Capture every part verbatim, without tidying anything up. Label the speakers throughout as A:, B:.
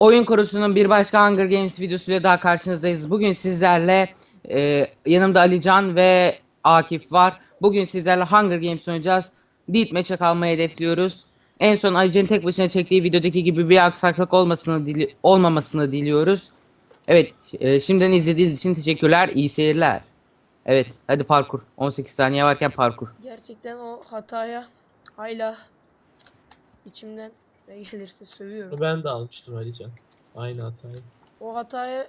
A: Oyun Korusu'nun bir başka Hunger Games videosuyla daha karşınızdayız. Bugün sizlerle e, yanımda Alican ve Akif var. Bugün sizlerle Hunger Games oynayacağız. Deathmatch'e kalmayı hedefliyoruz. En son Alican'ın tek başına çektiği videodaki gibi bir aksaklık olmasını dili olmamasını diliyoruz. Evet, e, şimdiden izlediğiniz için teşekkürler. İyi seyirler. Evet, hadi parkur. on sekiz saniye varken parkur.
B: Gerçekten o hataya hala içimden ne gelirse sövüyorum.
C: Ben de almıştım Alican. Aynı hatayı.
B: O hataya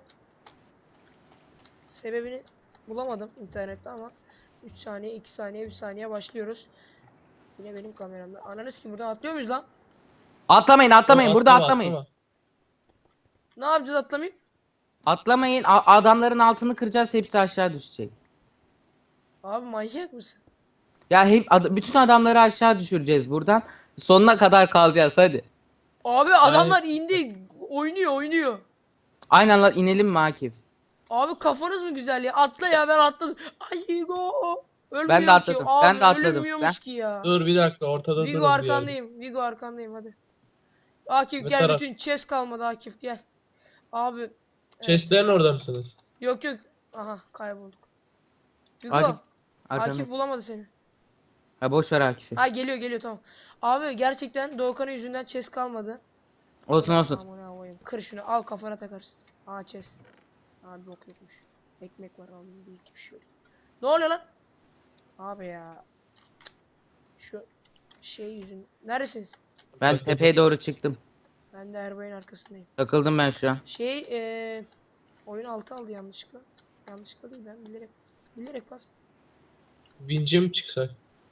B: sebebini bulamadım internette ama üç saniye, iki saniye, üç saniye başlıyoruz. Yine benim kameramda. Ananız ki buradan atlıyor muyuz lan?
A: Atlamayın, atlamayın.
C: Yo,
A: Burada
C: atlama,
A: atlamayın.
C: atlama.
B: Ne yapacağız atlamayıp?
A: Atlamayın. A- adamların altını kıracağız. Hepsi aşağı düşecek.
B: Abi manyak mısın?
A: Ya hep ad- bütün adamları aşağı düşüreceğiz buradan. Sonuna kadar kalacağız hadi.
B: Abi adamlar
C: Gayet-
B: indi. Oynuyor oynuyor.
A: Aynen lan, inelim mi Akif?
B: Abi kafanız mı güzel ya? Atla ya, ben atladım. Ay go. Ölmüyor
A: Ben de
B: ki.
A: atladım,
B: Abi
A: ben de atladım.
B: ölünmüyormuş
A: Ben-
B: ki ya.
C: Dur bir dakika, ortada
B: Vigo
C: durun bir yerde.
B: arkandayım. Vigo arkandayım hadi. Akif
C: Ne
B: gel,
C: taraf?
B: bütün chest kalmadı Akif gel. Abi evet.
C: Chestlerin orada mısınız?
B: Yok yok. Aha kaybolduk. Vigo.
A: Akif,
B: Akif,
A: arkamda.
B: bulamadı seni.
A: Ha, boş ver Akif'i.
B: Ha geliyor geliyor tamam. Abi gerçekten Doğukan'ın yüzünden chest kalmadı.
A: Olsun olsun.
B: Aman koyayım. Kır şunu al, kafana takarsın. Aa chest. Abi bok yokmuş. Ekmek var abi, bir iki bir şey yok. Ne oluyor lan? Abi ya. Şu şey yüzün. Neredesiniz?
A: Ben
C: Takıldım.
A: tepeye doğru çıktım.
B: Ben de Erbay'ın arkasındayım.
A: Takıldım ben şu an.
B: Şey eee oyun altı aldı yanlışlıkla. Yanlışlıkla değil, ben bilerek bilerek bas.
C: Vinç'e mi çıksak?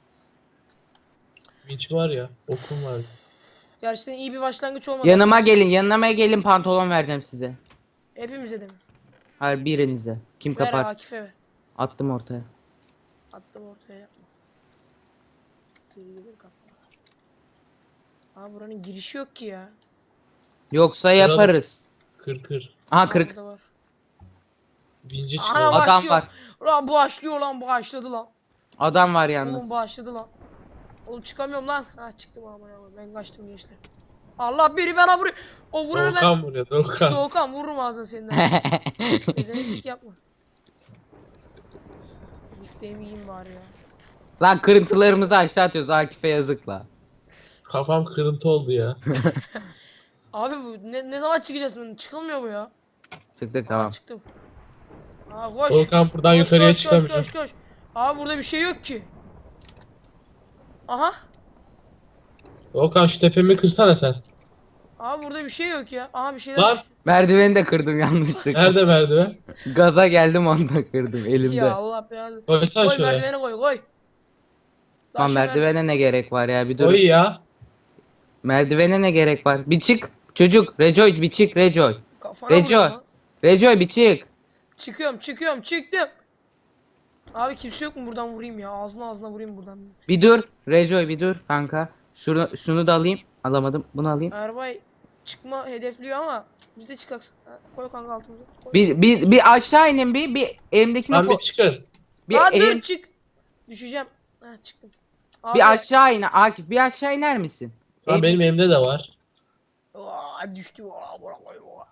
C: Vinç var ya, okum var.
B: Gerçekten iyi bir başlangıç olmadı.
A: Yanıma
B: arkadaşlar.
A: gelin, yanıma gelin, pantolon vereceğim size.
B: Hepimize de mi?
A: Hayır, birinize. Kim
B: Ver
A: kapar?
B: Akif'e ver.
A: Attım ortaya.
B: Attım ortaya, yapma. Geri gelir kapı. Aa buranın girişi yok ki ya.
A: Yoksa
C: Kıralım.
A: yaparız.
C: Kır kır.
A: Aha
B: Aa,
A: kırık.
B: burada var.
C: Vinç'e
B: Ana
C: çıkalım.
A: Adam
B: başlıyor.
A: var.
B: Lan başlıyor lan, başladı lan.
A: Adam var
B: Oğlum
A: yalnız.
B: başladı lan. Oğlum çıkamıyorum lan. Ha çıktım ama ya. Ben kaçtım gençler. Allah, biri bana vuruyor. O vuranı ben.
C: Doğukan buraya, Doğukan.
B: Doğukan vururum ağzına senden. Ezemelik yapma. Bifteğimi yiyeyim bari ya.
A: Lan, kırıntılarımızı aşağı atıyoruz, Akif'e yazık la.
C: Kafam kırıntı oldu ya.
B: Abi bu ne, ne zaman çıkacağız bunun? Çıkılmıyor bu ya.
A: Çıktık,
B: Aa
A: tamam.
B: çıktım. Aa koş.
C: Doğukan buradan
B: Koş,
C: yukarıya
B: koş, koş,
C: çıkamıyor.
B: koş, koş. Abi burada bir şey yok ki. Aha.
C: Doğukan şu tepemi kırsana sen.
B: Abi burada bir şey yok ya. Aha bir şeyler.
C: Lan
A: Merdiveni de kırdım yanlışlıkla.
C: nerede merdiven?
A: Gaza geldim, onu da kırdım elimde.
B: Ya Allah belanı.
C: Koysana
B: Koy
C: şuraya.
B: merdivene koy koy.
A: Lan
B: Taşı
A: merdivene ne gerek var ya, bir dur.
C: Koy ya.
A: Merdivene ne gerek var? Bir çık çocuk. Rejoy bir çık, Rejoy.
B: Kafana
A: Rejoy.
B: vuruyor lan.
A: Rejoy bir çık.
B: Çıkıyorum çıkıyorum çıktım. Abi kimse yok mu, buradan vurayım ya. Ağzına ağzına vurayım buradan.
A: Bir dur. Rejoy bir dur kanka. Şunu, şunu da alayım. Alamadım. Bunu alayım.
B: Erbay çıkma hedefliyor ama biz de çıkaksın. Ha, koy kanka altımıza. Koy.
A: Bir, bir, bir aşağı inin bir. Bir elimdekine
C: Lan
A: koy.
C: bir çıkın.
A: Bir,
B: Aa dur
A: elim,
B: çık. Düşeceğim. Ha çıktım. Abi.
A: bir aşağı in Akif. Bir aşağı iner misin?
C: Lan
A: Elim-
C: benim elimde de var.
B: Aa, düştü. Aa, bırak, bırak, bırak.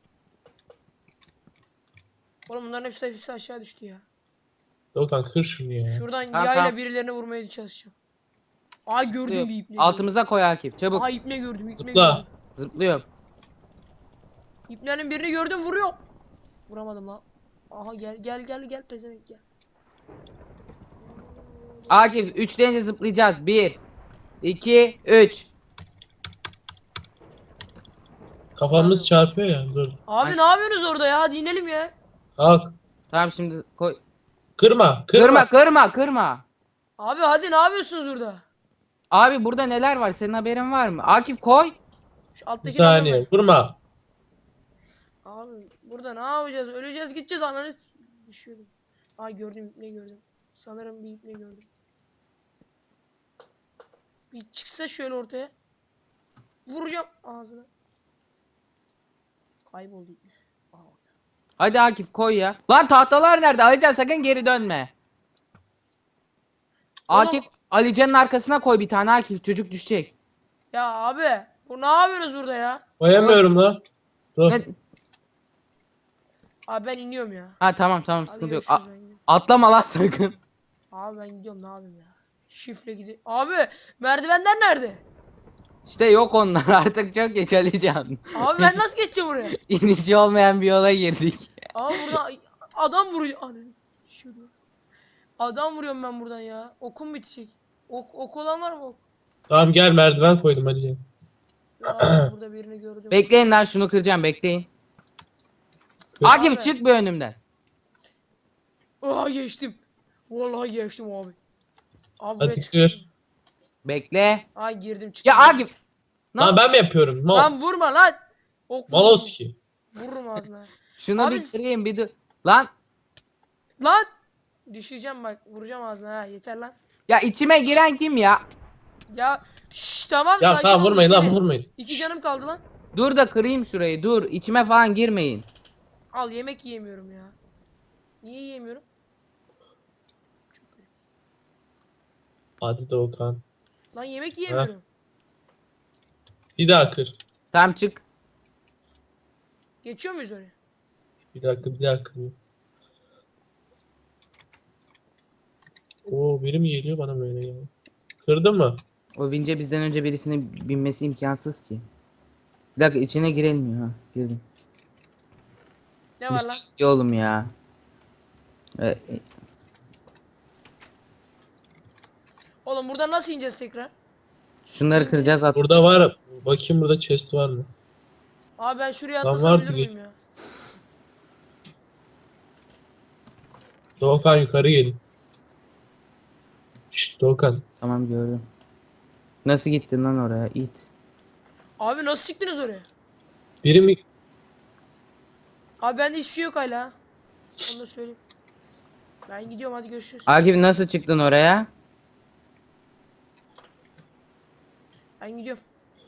B: Oğlum bunların hepsi, hepsi aşağı düştü ya.
C: Doğukan kır şunu ya.
B: Şuradan
A: Tamam,
B: yayla
A: tamam.
B: birilerine vurmaya çalışacağım. Aa gördüm bir ipne.
A: Altımıza koy Akif. Çabuk.
B: Aa ipne gördüm, ipne
C: Zıpla.
B: gördüm.
A: Zıplıyorum.
B: İpnenin birini gördüm, vuruyor. Vuramadım lan. Aha gel gel gel gel pezevenk gel.
A: Akif üç deyince zıplayacağız. bir iki üç.
C: Kafamız çarpıyor ya. Dur.
B: Abi
A: Ay.
B: ne yapıyorsunuz orada ya? Hadi inelim ya.
C: Kalk.
A: Tamam, şimdi koy.
C: Kırma. Kırma.
A: Kırma kırma kırma.
B: Abi hadi ne yapıyorsunuz burada?
A: Abi burada neler var, senin haberin var mı? Akif koy.
B: Şu
C: Bir
B: alttaki
C: saniye. Vurma.
B: Abi burada ne yapacağız? Öleceğiz gideceğiz, ananı s- düşüyordum. Ay gördüm, ipne gördüm. Sanırım bir ipne gördüm. Bir çıksa şöyle ortaya. Vuracağım ağzına. Kayboldu ipne. Aa, orada.
A: Hadi Akif koy ya. Lan tahtalar nerede? Alican sakın geri dönme.
B: Oğlum-
A: Akif Alican'ın arkasına koy bir tane Akif. Çocuk düşecek.
B: Ya abi bu ne yapıyorsunuz burada ya?
C: Koyamıyorum lan. Dur.
A: Ne?
B: Abi ben iniyorum ya.
A: Ha tamam tamam
B: Hadi
A: sıkıntı yok.
B: görüşürüz,
A: A-
B: ben gidiyorum.
A: atlama lan sakın.
B: Abi ben gidiyorum, ne yapayım ya. Şifre gidi. Abi merdivenler nerede?
A: İşte yok onlar artık çok geç Alican.
B: Abi ben nasıl geçeceğim oraya?
A: İnişi olmayan bir yola girdik.
B: Abi burada adam vuruyor. Ananı şurada. Adam vuruyorum ben buradan ya. Okum bitecek. Ok, ok olan var mı ok?
C: Tamam gel merdiven koydum Alican.
B: Abi burada birini gördüm.
A: Bekleyin lan şunu kıracağım bekleyin.
C: Kır.
A: Akif
B: Abi.
A: çık bir önümden.
B: Aa geçtim. Vallahi geçtim abi. Abi
C: Hadi
B: evet.
C: kır.
A: Bekle.
B: Ay girdim çıktım.
A: Ya Akif.
C: Lan
A: Nasıl?
C: ben mi yapıyorum? Mal.
B: Lan vurma lan. Ok vurma.
C: Maloski.
B: Vururum ağzına.
A: Şunu
B: Abi-
A: bir kırayım bir dur. Lan.
B: Lan. Düşeceğim bak. Vuracağım ağzına ha. Yeter lan.
A: Ya içime giren kim ya?
B: Ya şşş tamam.
C: Ya
B: sakin
C: tamam
B: ol,
C: vurmayın lan
B: düşmeyin.
C: vurmayın.
B: İki canım kaldı lan.
A: Dur da kırayım şurayı dur. İçime falan girmeyin.
B: Al yemek yiyemiyorum ya. Niye yiyemiyorum?
C: Hadi Doğukan.
B: Lan yemek yiyemiyorum.
C: Bir daha kır.
A: Tamam çık.
B: Geçiyor muyuz oraya?
C: Bir dakika bir daha kır. Oo biri mi geliyor bana böyle ya? Kırdın mı?
A: O vince bizden önce birisinin binmesi imkansız ki. Bir dakika içine girilmiyor ha. Girdim.
B: Ne var lan?
A: Bir oğlum ya. Ee, e,
B: Oğlum buradan nasıl ineceğiz tekrar?
A: şunları kıracağız at.
C: Burada var. Bakayım burada chest var mı?
B: Abi ben şuraya
C: Lan
B: atlasam
C: vardı
B: ölür
C: geç.
B: müyüm ya?
C: Doğukan yukarı gelin. Şşt Doğukan.
A: Tamam gördüm. Nasıl gittin lan oraya? İt.
B: Abi nasıl çıktınız oraya?
C: Biri mi?
B: Abi bende hiçbir şey yok hala. Onu da söyleyeyim. Ben gidiyorum, hadi görüşürüz.
A: Akif nasıl çıktın oraya?
B: Ben gidiyorum.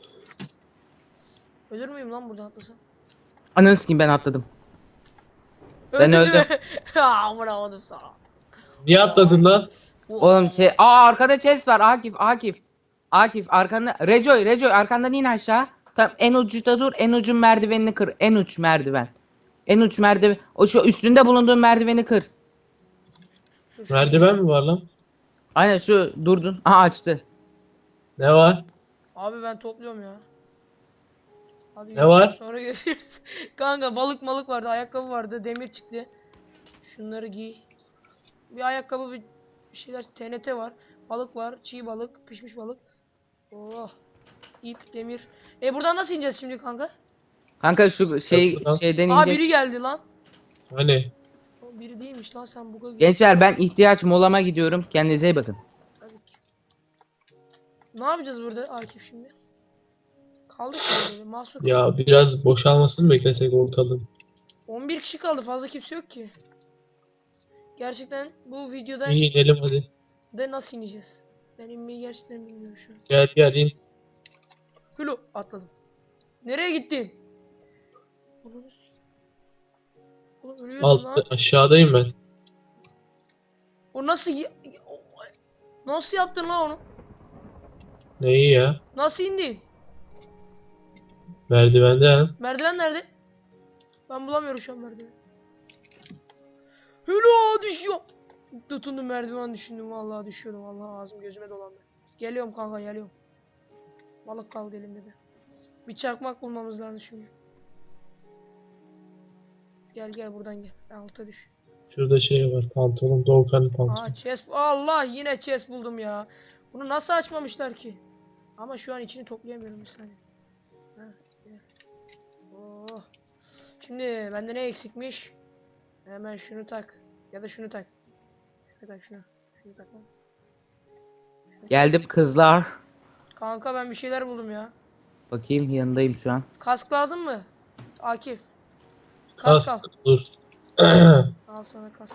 B: Ölür müyüm lan buradan atlasam?
A: Ananı sikeyim ben atladım. Ben
B: Öldün
A: öldüm.
B: mü? Aa vuramadım sana.
C: Niye atladın lan?
A: Oğlum şey aa arkada chest var Akif Akif. Akif arkanda Rejoy Rejoy arkandan in aşağı. Tam en uçta dur en ucun merdivenini kır. En uç merdiven. En uç merdiven. O şu üstünde bulunduğun merdiveni kır.
B: Dur, şu-
C: Merdiven mi var lan?
A: Aynen şu durdun. Aha açtı.
C: Ne var?
B: Abi ben topluyorum ya. Hadi
C: Ne
B: görüşürüz,
C: var?
B: sonra görüşürüz. Kanka balık malık vardı, ayakkabı vardı, demir çıktı. Şunları giy. Bir ayakkabı, bir bir şeyler, T N T var. Balık var, çiğ balık, pişmiş balık. Oh. İp, demir. E buradan nasıl ineceğiz şimdi kanka?
A: Kanka şu şey
C: Yok lan.
A: şeyden
B: Aa biri
A: ineceğiz.
B: geldi lan.
C: Hani?
B: O biri değilmiş lan, sen buga gir.
A: Gençler ben ihtiyaç molama gidiyorum. Kendinize iyi bakın.
B: Tabii ki. Ne yapacağız burada Akif şimdi? Kaldık böyle mahsur.
C: Ya biraz boşalmasını mı beklesek ortalığın?
B: on bir kişi kaldı, fazla kimse yok ki. Gerçekten bu videoda
C: İyi inelim hadi.
B: de nasıl ineceğiz? Ben inmeyi gerçekten bilmiyorum şu an.
C: Gel gel in.
B: Hulu atladım. Nereye gittin? Oğlum ölüyorum
C: Altta
B: lan.
C: aşağıdayım ben.
B: O nasıl y- o- nasıl yaptın lan onu?
C: Neyi ya?
B: Nasıl indin?
C: Merdivende ha.
B: Merdiven nerede? Ben bulamıyorum şu an merdiven. Hulu düşüyor. Tutundum merdiven düşündüm, vallahi düşüyordum, vallahi ağzım gözüme dolandı. Geliyorum kanka, geliyorum. Balık kaldı elimde de. Bir çakmak bulmamız lazım şimdi. Gel gel buradan gel. Alta düş.
C: Şurada şey var. Pantolon. Doğukan'ın pantolonu.
B: Aa chest. Allah yine chest buldum ya. Bunu nasıl açmamışlar ki? Ama şu an içini toplayamıyorum bir saniye. Ha, gel. Oh. Şimdi bende ne eksikmiş? Hemen şunu tak. Ya da şunu tak. Şunu tak şunu. Şunu tak lan.
A: Geldim kızlar.
B: Kanka ben bir şeyler buldum ya.
A: Bakayım yanındayım şu an.
B: Kask lazım mı? Akif. Kask al.
C: Kask dur.
B: Al sana kask.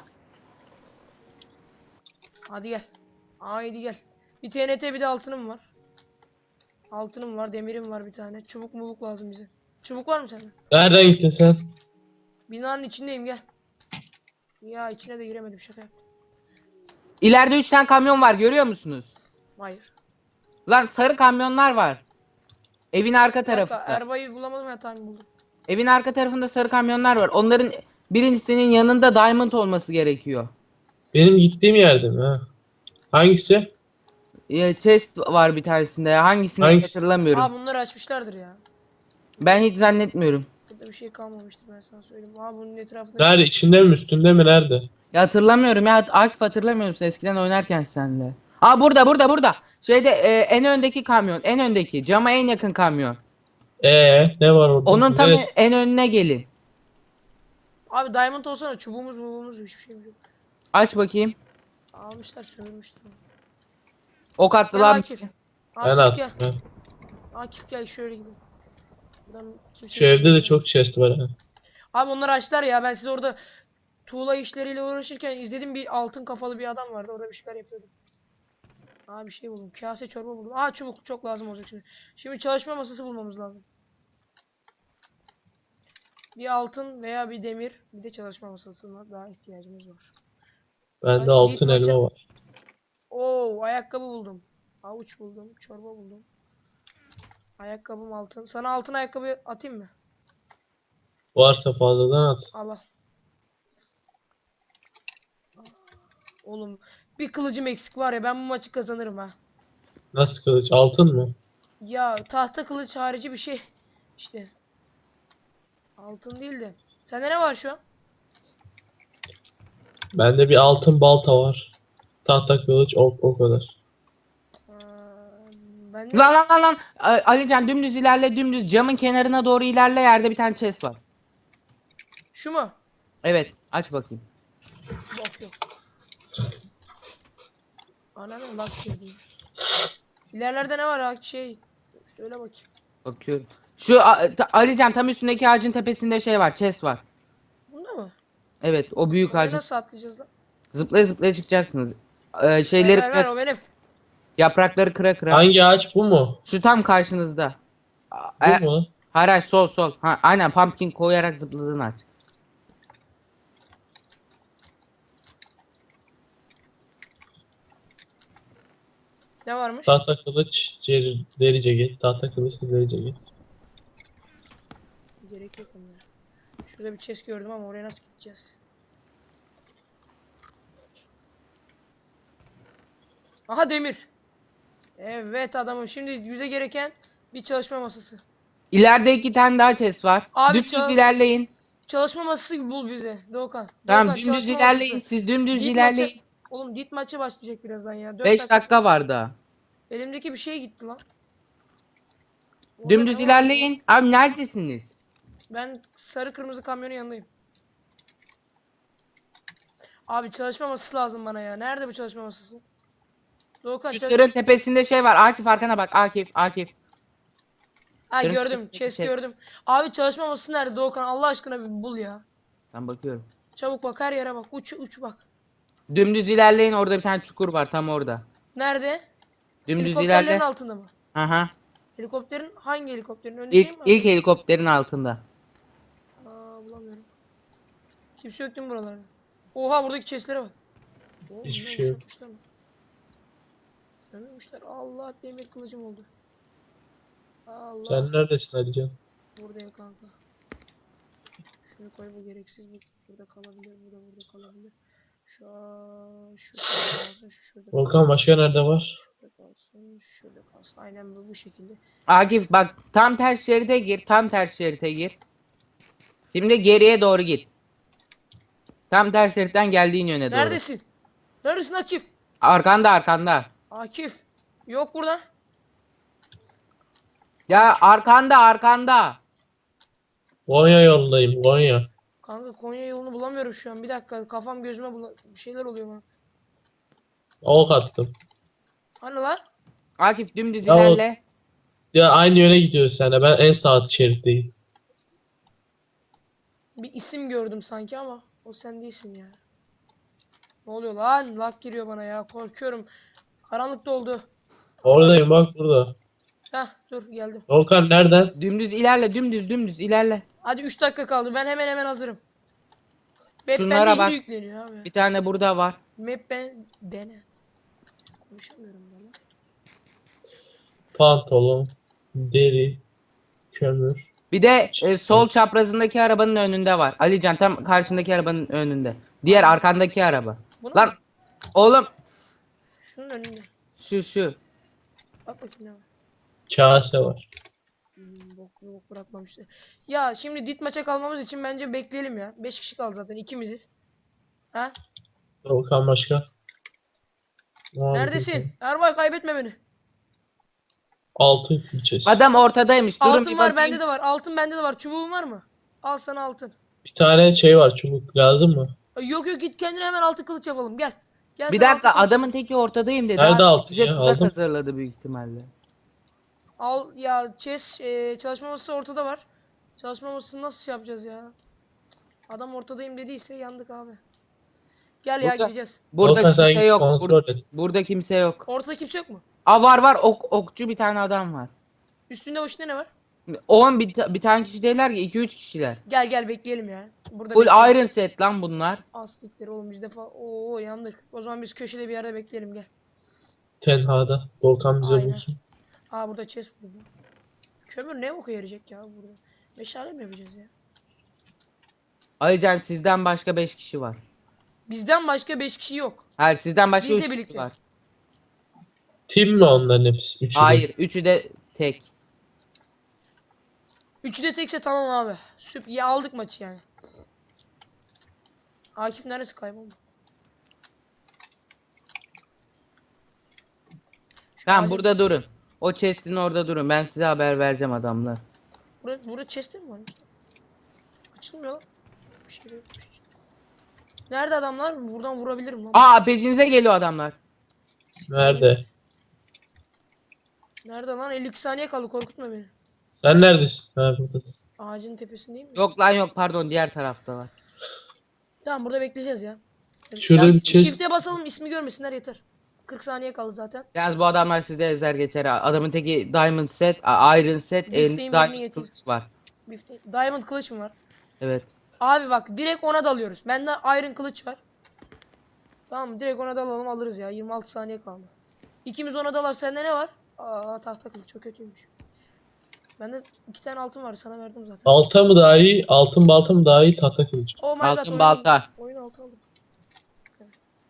B: Hadi gel. Haydi gel. Bir T N T, bir de altınım var. Altınım var, demirim var bir tane. Çubuk mubuk lazım bize. Çubuk var mı sende?
C: Nereden gittin sen?
B: Binanın içindeyim, gel. Ya içine de giremedim, şaka yaptım.
A: İleride üç tane kamyon var görüyor musunuz?
B: Hayır.
A: Lan sarı kamyonlar var. Evin arka
B: Bir dakika,
A: tarafında.
B: Erbay'ı bulamadım ya, tamam buldum.
A: Evin arka tarafında sarı kamyonlar var. Onların birincisinin yanında diamond olması gerekiyor.
C: Benim gittiğim yerde mi? Ha. Hangisi?
A: Ee, chest var bir tanesinde ya. Hangisini hiç
C: Hangisi?
A: hatırlamıyorum.
B: Aa bunları açmışlardır ya.
A: Ben hiç zannetmiyorum.
B: Burada bir şey kalmamıştır ben sana söyleyeyim. Aa bunun etrafında
C: Nerede? İçinde mi? Üstünde mi? Nerede?
A: Ya hatırlamıyorum ya. Akif hatırlamıyor musun eskiden oynarken senle? Aa burada burada burada. Şeyde e, en öndeki kamyon. En öndeki. Cama en yakın kamyon.
C: Ee, ne var orada?
A: Onun tam en,
C: Neresi?
A: en önüne gelin.
B: Abi diamond olsana çubuğumuz mubuğumuz hiçbir şeyimiz yok.
A: Aç bakayım.
B: Almışlar sömürmüşler.
A: Ok
B: Gel
A: attılar.
B: Akif.
C: Ben
B: Akif gel.
C: attım. Ha.
B: Akif gel şöyle gidelim. Buradan kimse
C: Şu evde de
B: görmüyor.
C: çok chest var. Ha.
B: Abi onları açtılar ya ben siz orada tuğla işleriyle uğraşırken izledim bir altın kafalı bir adam vardı orada bir şeyler yapıyordu. Aa bir şey buldum. Kase çorba buldum. Aa çubuk çok lazım olacak şimdi. Şimdi çalışma masası bulmamız lazım. Bir altın veya bir demir bir de çalışma masasına daha ihtiyacımız var.
C: Bende
B: Ay,
C: altın
B: Yiğit
C: elma
B: maça-
C: var.
B: Oo ayakkabı buldum. Avuç buldum. Çorba buldum. Ayakkabım altın. Sana altın ayakkabı atayım mı?
C: Varsa fazladan at.
B: Allah. Oğlum bir kılıcım eksik var ya ben bu maçı kazanırım ha.
C: Nasıl kılıç? Altın mı?
B: Ya tahta kılıç harici bir şey. İşte. Altın değil de. Sende ne var şu an?
C: Bende bir altın balta var. Tahta kılıç ok o kadar.
B: Aa, bende
A: Lan lan lan lan. A- Alican dümdüz ilerle dümdüz. Camın kenarına doğru ilerle. Yerde bir tane chest var.
B: şu mu?
A: Evet. Aç bakayım.
B: Bak yok. Ananı lak girdim. İlerlerde ne var ha? Şey. Söyle bakayım.
A: Bakıyorum. Şu a- ta- Alican tam üstündeki ağacın tepesinde şey var. Chest var.
B: Bunda mı?
A: Evet. O büyük
B: Oraya
A: ağacın.
B: nasıl atlayacağız lan?
A: Zıplaya zıplaya çıkacaksınız. Ee,
B: Ver
A: şeyleri
B: ver ver
A: kıra,
B: o benim.
A: yaprakları kıra kıra.
C: Hangi ağaç bu mu?
A: Şu tam karşınızda. A-
C: Bu
A: e,
C: mu?
A: hayır hayır, sol sol. Ha, aynen pumpkin koyarak zıpladığın ağaç.
B: Ne varmış?
C: Tahta kılıç, cer- deri ceket. Tahta kılıç, deri ceket.
B: Gerek yok onlara. Şurada bir chest gördüm ama oraya nasıl gideceğiz? Aha demir. Evet adamım. Şimdi bize gereken bir çalışma masası.
A: İleride iki tane daha chest var.
B: Abi
A: Dümdüz
B: çal-
A: ilerleyin.
B: Çalışma masası bul bize Doğukan.
A: Tamam
B: Doğukan
A: dümdüz
B: çalışma
A: ilerleyin.
B: masası.
A: Siz dümdüz
B: Dit
A: ilerleyin.
B: maçı. Oğlum dit maçı başlayacak birazdan ya. dört
A: beş dakika var daha.
B: Elimdeki bir şey gitti lan. Orada
A: Dümdüz
B: ne var
A: ilerleyin. Abi neredesiniz?
B: ya? Ben sarı kırmızı kamyonun yanındayım. Abi çalışma masası lazım bana ya. Nerede bu çalışma masası? Doğukan
A: Şu
B: çalış-
A: tırın tepesinde şey var. Akif arkana bak. Akif Akif.
B: Ha
A: tırın
B: gördüm.
A: tepesindeki
B: Chest
A: chest.
B: gördüm. Abi çalışma masası nerede Doğukan? Allah aşkına bir bul ya.
A: Ben bakıyorum.
B: Çabuk bak her yere bak. Uç uç bak.
A: Dümdüz ilerleyin. Orada bir tane çukur var tam orada.
B: Nerede?
A: Dümdüz
B: Helikopterlerin
A: ilerle.
B: altında mı?
A: Aha.
B: Helikopterin hangi helikopterin? Öndeki
A: İlk
B: mi?
A: ilk helikopterin altında.
B: Aa bulamıyorum. Kimse yok değil mi buralarda? Oha buradaki chestlere bak. Oğlum,
C: Hiçbir
B: bunlar
C: şey yok.
B: boşaltmışlar mı? Sömürmüşler. Allah demir kılıcım oldu. Allah.
C: Sen neredesin Alican?
B: Buradayım kanka. Şunu koy bu gereksiz bu burada kalabilir bu da burada kalabilir. Şu an şu kalsın şu şurada
C: Volkan başka nerede var?
B: şurada kalsın şurada kalsın. Aynen bu bu şekilde.
A: Akif bak tam ters şeride gir. Tam ters şeride gir. Şimdi geriye doğru git. Tam ters şeritten geldiğin yöne doğru.
B: Neredesin? Neredesin Akif?
A: Arkanda arkanda.
B: Akif. Yok burada.
A: Ya arkanda arkanda.
C: Konya yolundayım Konya.
B: Kanka Konya yolunu bulamıyorum şu an. Bir dakika kafam gözüme bula bir şeyler oluyor bana.
C: Ok attım.
B: Hani lan?
A: Akif dümdüz
C: Ya o-
A: ilerle.
C: Ya aynı yöne gidiyoruz seninle. Ben en sağ şeritteyim.
B: Bir isim gördüm sanki ama o sen değilsin ya. Ne oluyor lan? Lag giriyor bana ya. Korkuyorum. Karanlıkta oldu.
C: Oradayım bak burada.
B: Heh dur geldim.
C: Volkan nereden?
A: Dümdüz ilerle dümdüz dümdüz ilerle.
B: Hadi üç dakika kaldı. Ben hemen hemen hazırım. Map
A: Şunlara
B: bende
A: bak.
B: yeni yükleniyor abi.
A: Bir tane burada var.
B: Map ben bene. Konuşamıyorum ben lan.
C: Pantolon, deri, kömür.
A: Bir de e, sol çaprazındaki arabanın önünde var. Alican tam karşındaki arabanın önünde. Diğer arkandaki araba.
B: Bunu
A: Lan
B: mu?
A: oğlum
B: Şunun önünde.
A: şu şu.
B: Bak bakayım ne var.
C: Kase var.
B: Hmm, bok, bok bırakmamışlar. Ya şimdi dit maça kalmamız için bence bekleyelim ya. beş kişi kaldı zaten, ikimiziz. Ha?
C: Volkan başka. Abi,
B: Neredesin? Erbay kaybetme beni.
C: altın külçesi.
A: Adam ortadaymış. Durun
B: Altın
A: bir
B: var,
A: bakayım.
B: bende de var. Altın bende de var. Çubuğun var mı? Al sana altın.
C: Bir tane şey var, çubuk lazım mı?
B: Ay, yok yok, git kendine hemen altın kılıç yapalım. Gel. Gel
A: Bir
B: sana
A: dakika,
B: altın kılıç
A: adamın teki ortadayım dedi.
C: Nerede
A: Abi,
C: altın
A: size
C: ya?
A: tuzak
C: Aldım.
A: hazırladı büyük ihtimalle.
B: Al ya, chess e, çalışma masası ortada var. Çalışma masasını nasıl şey yapacağız ya? Adam ortadayım dediyse yandık abi. Gel ya,
A: Burada,
B: gideceğiz.
A: burada
C: Volkan sen
A: kimse
C: git
A: yok.
C: kontrol
A: Bur-
C: et.
A: burada kimse yok.
B: Ortada kimse yok mu?
A: Aa var var ok, okçu bir tane adam var.
B: Üstünde başında ne var?
A: on bir, ta- bir tane kişi değiller ki iki üç kişiler.
B: Gel gel bekleyelim ya. Burada
A: Full
B: bekleyelim.
A: iron set lan bunlar.
B: Astikleri oğlum, biz de falan. Oo, yandık. O zaman biz köşede bir yerde bekleyelim, gel.
C: Tenhada. Volkan bize
B: Aynen.
C: bulsun.
B: Aa, burada chest buldum. Kömür ne oku yarayacak ya burada? Meşale mi yapacağız ya?
A: Alican sizden başka beş kişi var.
B: Bizden başka beş kişi yok.
A: Hayır sizden başka
B: Bizle
A: üç kişi
B: birlikte.
A: var.
C: Team mi onların hepsi? Üçü de.
A: Hayır üçü de tek.
B: Üçü de tekse tamam abi. Süp ya, aldık maçı yani. Akif neresi kayboldu? Şu
A: Tamam
B: ağacın-
A: burada durun. O chest'in orada durun. Ben size haber vereceğim adamlar.
B: Burada, burada chest'e mi var? Açılmıyor lan. Bir şey yok. bir şey. Nerede adamlar? Buradan vurabilirim lan.
A: Aa peşinize geliyor adamlar.
C: Nerede?
B: Nerede lan? elli iki saniye kaldı, korkutma beni.
C: Sen neredesin? Ha, buradasın.
B: Ağacın tepesindeyim mi?
A: Yok lan yok pardon diğer tarafta var.
B: Tamam, burada bekleyeceğiz ya.
C: Şurada bir chest.
B: Shift'e basalım, ismi görmesinler yeter. kırk saniye kaldı zaten.
A: Yalnız bu adamlar size ezer geçer. Adamın teki diamond set, a- iron set,
B: Bifteğin
A: elinde
B: birini
A: diamond
B: getir.
A: kılıç var.
B: Bifte Diamond kılıç mı var?
A: Evet.
B: Abi bak, direkt ona dalıyoruz. Bende Iron kılıç var. Tamam mı? Direkt ona dalalım, alırız ya. yirmi altı saniye kaldı. İkimiz ona dalar. Sende ne var? Aa, tahta kılıç çok kötüymüş. Bende iki tane altın var, sana verdim zaten.
C: Balta mı daha iyi? Altın balta mı daha iyi? Tahta kılıç mı?
B: Oh my
A: Altın
B: god, oyun-
A: balta.
B: Oyun altı aldım. Evet.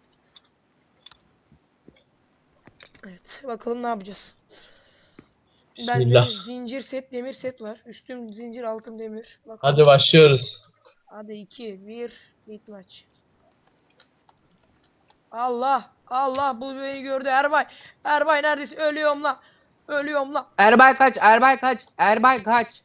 B: Evet, bakalım ne yapacağız.
C: Bismillah.
B: Bende zincir set, demir set var. Üstüm zincir, altım demir. Bakalım.
C: Hadi başlıyoruz.
B: Hadi iki, bir, lit maç. Allah, Allah, bu beni gördü Erbay. Erbay neredesin? Ölüyorum la. Ölüyorum la.
A: Erbay kaç, Erbay kaç, Erbay kaç.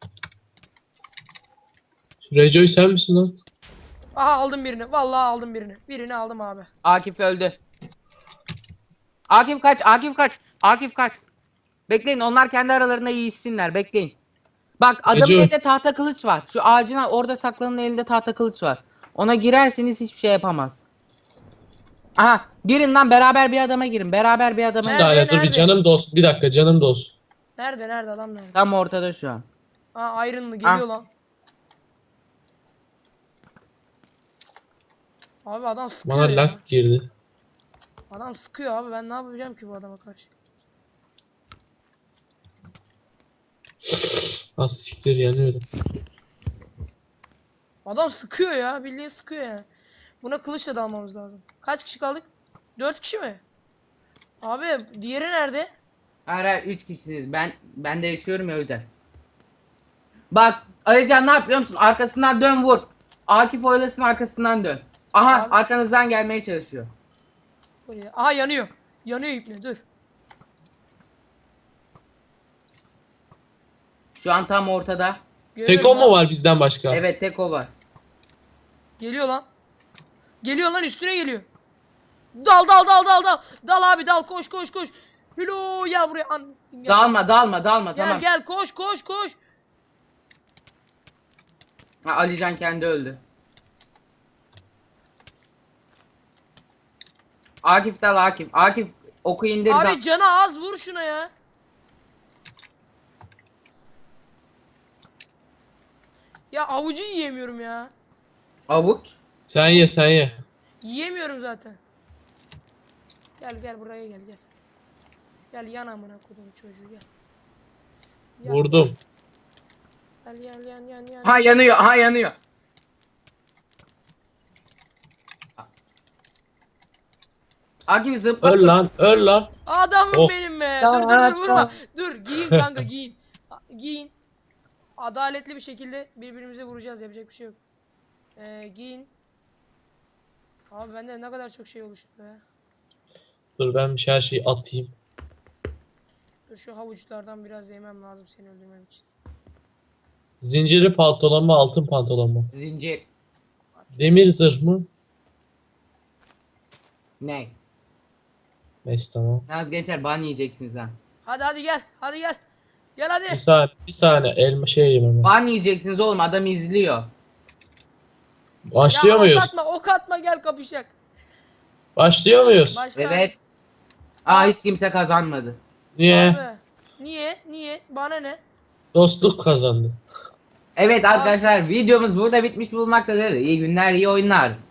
C: Rejoy sen misin lan?
B: Aha, aldım birini. Vallahi aldım birini. Birini aldım abi.
A: Akif öldü. Akif kaç, Akif kaç, Akif kaç. Bekleyin onlar kendi aralarında yiyişsinler bekleyin. Bak adamın
C: Ece.
A: elinde tahta kılıç var. Şu ağacın orada saklanan elinde tahta kılıç var. Ona girerseniz hiçbir şey yapamaz. Aha girin lan beraber bir adama girin. Beraber bir adama
C: Bir
B: Nerede,
A: girin.
C: saniye dur bir
B: nerede?
C: canım dost. Bir dakika canım dost.
B: Nerede, nerede adam nerede?
A: Tam ortada şu an.
B: Aa, Iron'lı geliyor lan. Abi adam sıkıyor
C: Bana
B: ya.
C: lag girdi.
B: Adam sıkıyor abi, ben ne yapacağım ki bu adama karşı?
C: Az siktir yanıyorum.
B: Adam sıkıyor ya, bildiğin sıkıyor ya. Buna kılıçla dalmamız lazım. Kaç kişi kaldık? dört kişi mi? Abi diğeri nerede?
A: Ara üç kişisiniz. Ben ben de yaşıyorum ya o yüzden. Bak Alican ne yapıyor musun? Arkasından dön vur. Akif oylasın arkasından dön. Aha
B: Abi.
A: arkanızdan gelmeye çalışıyor.
B: Buraya. Aha, yanıyor. Yanıyor ipne, dur.
A: Şu an tam ortada.
B: Görüyorum
C: Tek o mu
B: abi.
C: var bizden başka?
A: Evet tek o var.
B: Geliyor lan. Geliyor lan, üstüne geliyor. Dal dal dal dal dal. Dal abi, dal, koş koş koş. Hülo ya, buraya an. Gel.
A: Dalma dalma dalma
B: Gel
A: tamam.
B: gel, koş koş koş.
A: Ha, Alican kendi öldü. Akif dal Akif. Akif oku indir dal.
B: Abi canı az, vur şuna ya. Ya avucu yiyemiyorum ya.
A: Avuç.
C: Sen ye sen ye.
B: Yiyemiyorum zaten. Gel gel, buraya gel gel. Gel yan amına kodum çocuğu, gel. Yan.
C: Vurdum.
B: Gel gel yan yan yan.
A: Ha yanıyor, ha yanıyor. Akif zıpla.
C: Öl lan öl lan.
B: Adamım
C: Oh.
B: benim be.
A: Tamam,
B: Dur dur dur
A: tamam.
B: vurma. Dur giyin kanka giyin. A- Giyin. Adaletli bir şekilde birbirimize vuracağız. Yapacak bir şey yok. Ee, giyin. Abi bende ne kadar çok şey oluştu be.
C: Dur ben bir şey- her şeyi atayım.
B: Dur şu havuçlardan biraz yemem lazım seni öldürmem için.
C: Zincirli pantolon mu altın pantolon mu?
A: Zincir.
C: Demir zırh mı?
A: Ne?
C: Neyse tamam.
A: Naz gençler ban yiyeceksiniz ha.
B: Hadi hadi gel. Hadi gel. Gel hadi.
C: Bir saniye bir saniye elma şey yemem.
A: Ban yiyeceksiniz oğlum, adam izliyor.
C: Başlıyor
B: Ya,
C: muyuz?
B: Ok atma, ok atma gel kapışacak.
C: Başlıyor muyuz?
B: Başla.
A: Evet. Aa hiç kimse kazanmadı.
C: Niye?
B: Abi. Niye? Niye? Bana ne?
C: Dostluk kazandı.
A: Evet arkadaşlar videomuz burada bitmiş bulunmaktadır. İyi günler, iyi oyunlar.